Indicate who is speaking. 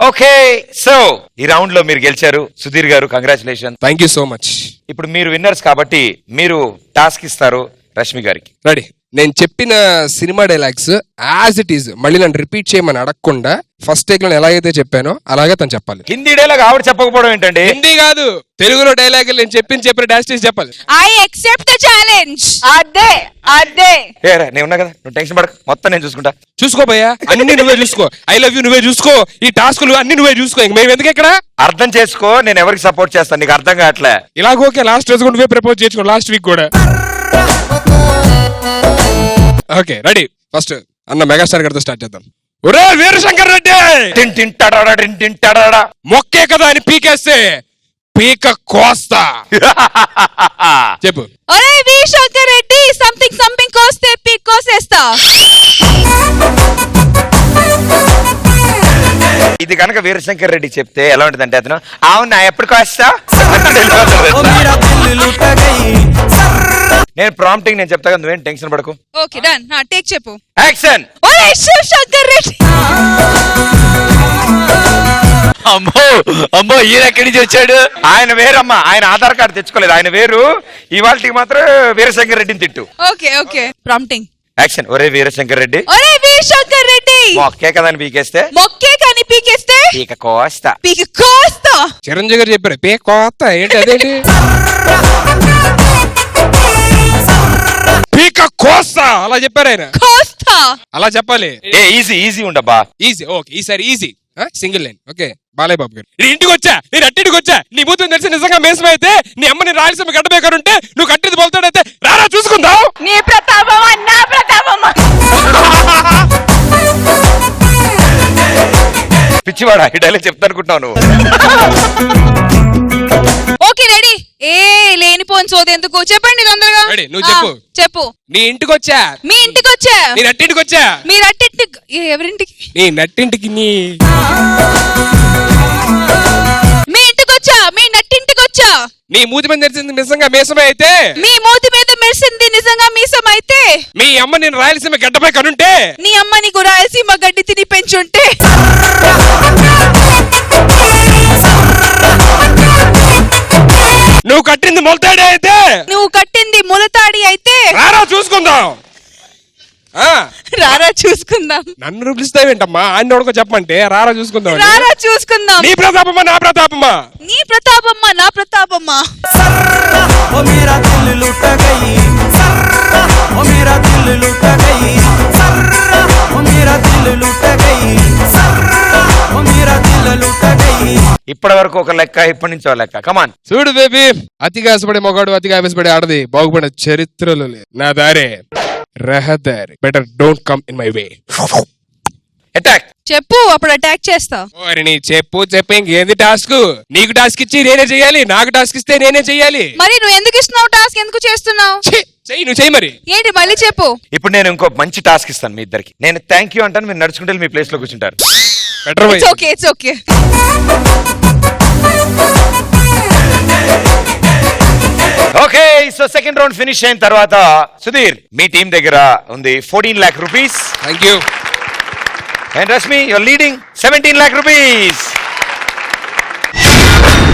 Speaker 1: Okay, so ఈ round లో మీరు గెలిచారు Sudheer garu, congratulation.
Speaker 2: Thank you so much.
Speaker 1: ఇప్పుడు మీరు విన్నర్స్ కాబట్టి మీరు టాస్క్ ఇస్తారు రష్మి గారికి.
Speaker 2: రెడీ. నేను చెప్పిన cinema dialogues as it is మళ్ళీ నన్ను రిపీట్ చేయమని అడగకుండా ఫస్ట్ టేక్ లో ఎలాగైతే చెప్పానో అలాగే తను చెప్పాలి.
Speaker 1: హిందీ డైలాగ్ ఆవిడ చెప్పకపోవడం ఏంటండి?
Speaker 2: హిందీ కాదు, తెలుగులో డైలాగ్ నేను చెప్పిన డాష్ చెప్పాలి.
Speaker 3: I accept the challenge. అదే అదే.
Speaker 1: నేను ఉన్నా కదా, నువ్వు టెన్షన్ పడక, మొత్తం నేను చూసుకుంటా.
Speaker 2: చూసుకో భయ్యా, అన్ని నువ్వే చూసుకో. ఐ లవ్ యూ నువ్వే చూసుకో, ఈ టాస్కులు అన్ని నువ్వే చూసుకో. ఇంక మేము ఎందుకు ఇక్కడ?
Speaker 1: అర్థం చేసుకో, నేను ఎవరికి సపోర్ట్ చేస్తాను, నీకు అర్థం కావట్లే.
Speaker 2: ఇలాగోకే లాస్ట్ రోజు నువ్వే ప్రపోజ్ చేసుకో, లాస్ట్ వీక్ కూడా. Okay ready. ఫస్ట్ అన్న మెగాస్టార్ గారితో స్టార్ట్ చేద్దాం. ఒరే వీరశంకర్ రెడ్డి, మొక్కే కదా అని పీకేస్తే పీక కోస్తా. చెప్పు.
Speaker 3: ఒరే వీరశంకర్ రెడ్డి, సంథింగ్ కోస్తే పీక్ కోసేస్తా.
Speaker 1: ఇది కనుక వీరశంకర్ రెడ్డి చెప్తే ఎలా ఉంటుంది అంటే, అతను అవునా ఎప్పుడు కోస్తా. నేను ప్రాంప్టింగ్ నేను చెప్తా కదా, నువ్వేం టెన్షన్ పడకు.
Speaker 3: Okay done. టేక్ చెప్పు.
Speaker 1: యాక్షన్.
Speaker 3: ఒరే శివశంకర్ రెడ్డి.
Speaker 1: అమ్మో అమ్మో, ఈయన ఎక్కడి నుంచి వచ్చాడు? ఆయన వేరమ్మా, ఆయన ఆధార్ కార్డు తెచ్చుకోలేదు, ఆయన వేరు. ఇవాళకి మాత్రం వీరశంకర్ రెడ్డిని తిట్టు.
Speaker 3: Okay okay prompting.
Speaker 1: యాక్షన్. ఒరే వీరశంకర్ రెడ్డి.
Speaker 3: ఒరే వీరశంకర్ రెడ్డి,
Speaker 1: మొక్కే కదా అని పీకేస్తే
Speaker 3: మొక్కే కానీ పీకేస్తే
Speaker 1: పీక కోస్తా.
Speaker 3: పీక కోస్తా.
Speaker 2: చిరంజీవి గారు చెప్పారు పీక కోస్తా. ఏంటి అదేంటి? పీక కోస్తా అలా చెప్పారు ఆయన.
Speaker 3: కోస్తా
Speaker 2: అలా చెప్పాలి.
Speaker 1: ఈజీ ఉండబ్బా.
Speaker 2: ఈజీ. ఓకే ఈసారి easy. Single line. Okay Balayya Babu garu, నీ ఇంటికి వచ్చా, నేను అట్టింటికి వచ్చా, నీ బూతుని తెలిసి నిజంగా మేసం అయితే నీ అమ్మని రాయలసీమ గడ్డబేకారుంటే నువ్వు కట్టిది బోల్తాడైతే రారా చూసుకుందాం.
Speaker 3: నీ ప్రతాపమా నా ప్రతాపమా?
Speaker 1: పిచ్చివాడా, ఈ డైలాగ్ చెప్తా అనుకుంటున్నావు నువ్వు.
Speaker 3: Okay ready. ఏ లేనిపోని సోది ఎందుకు, చెప్పండి తొందరగా.
Speaker 2: రెడీ, నువ్వు చెప్పు.
Speaker 3: చెప్పు.
Speaker 2: నీ ఇంటికి వచ్చా,
Speaker 3: మీ ఇంటికి వచ్చా,
Speaker 2: నీ నట్టింటికి వచ్చా.
Speaker 3: మీరు అట్టింటికి ఎవరింటికి?
Speaker 2: నీ నట్టింటికి.
Speaker 3: మీ ఇంటికి వచ్చా, మీ నట్టింటికి వచ్చా.
Speaker 2: నీ మూతి మీద తెరిచింది నిజంగా మేసమే అయితే,
Speaker 3: మీ మూతి మీద మెరిసింది నిజంగా మీసం అయితే,
Speaker 2: మీ అమ్మ నేను రాయలసీమ గడ్డపై కనుంటే,
Speaker 3: నీ అమ్మ నీకు రాయలసీమ గడ్డి తిని పెంచుంటే,
Speaker 2: నువ్వు కట్టింది మొలతాడే అయితే,
Speaker 3: నువ్వు కట్టింది ములతాడి అయితే
Speaker 2: రారా చూసుకుందాం.
Speaker 3: రారా చూసుకుందాం.
Speaker 2: నన్ను పిలుస్తావేంటమ్మా? ఆయన ఎవరికో చెప్పమంటే రారా చూసుకుందాం.
Speaker 3: రారా చూసుకుందాం.
Speaker 2: నీ ప్రతాపమ్మా నా ప్రతాపమ్మా?
Speaker 3: నీ ప్రతాపమ్మా నా ప్రతాపమ్మా?
Speaker 1: ఇప్పటి వరకు ఒక లెక్క, ఇప్పటి నుంచి ఒక లెక్క. కమాన్.
Speaker 2: చూడు బేబీ, అతిగా ఆశపడే మొగాడు అతిగా ఆవేశపడే ఆడది బాగుపడే చరిత్రలో లేదు. నా దారే రహదారి. Better don't come in my way.
Speaker 1: Attack.
Speaker 3: చెప్పు, అప్పుడు అటాక్ చేస్తా.
Speaker 2: నీ చెప్పు ఇంకేంది టాస్క్? నీకు టాస్క్ ఇచ్చి నేనే చెయ్యాలి, నాకు టాస్క్ ఇస్తే నేనే చెయ్యాలి.
Speaker 3: మరి నువ్వు ఎందుకు ఇస్తున్నావు టాస్క్? ఎందుకు చేస్తున్నావు?
Speaker 2: చెయ్యి, నువ్వు చెయ్యి. మరి
Speaker 3: ఏంటి మళ్ళీ చెప్పు.
Speaker 1: ఇప్పుడు నేను ఇంకో మంచి టాస్క్ ఇస్తాను మీ ఇద్దరికి. నేను థ్యాంక్ యూ అంటాను, మీరు నడుచుకుంటే మీ ప్లేస్ లో కూర్చుంటారు.
Speaker 2: Better why.
Speaker 3: It's okay.
Speaker 1: Okay, so second round finish అయిన తర్వాత సుధీర్, మీ టీం దగ్గర ఉంది 14 lakh rupees.
Speaker 2: Thank you.
Speaker 1: And Rashmi, your leading 17 lakh rupees.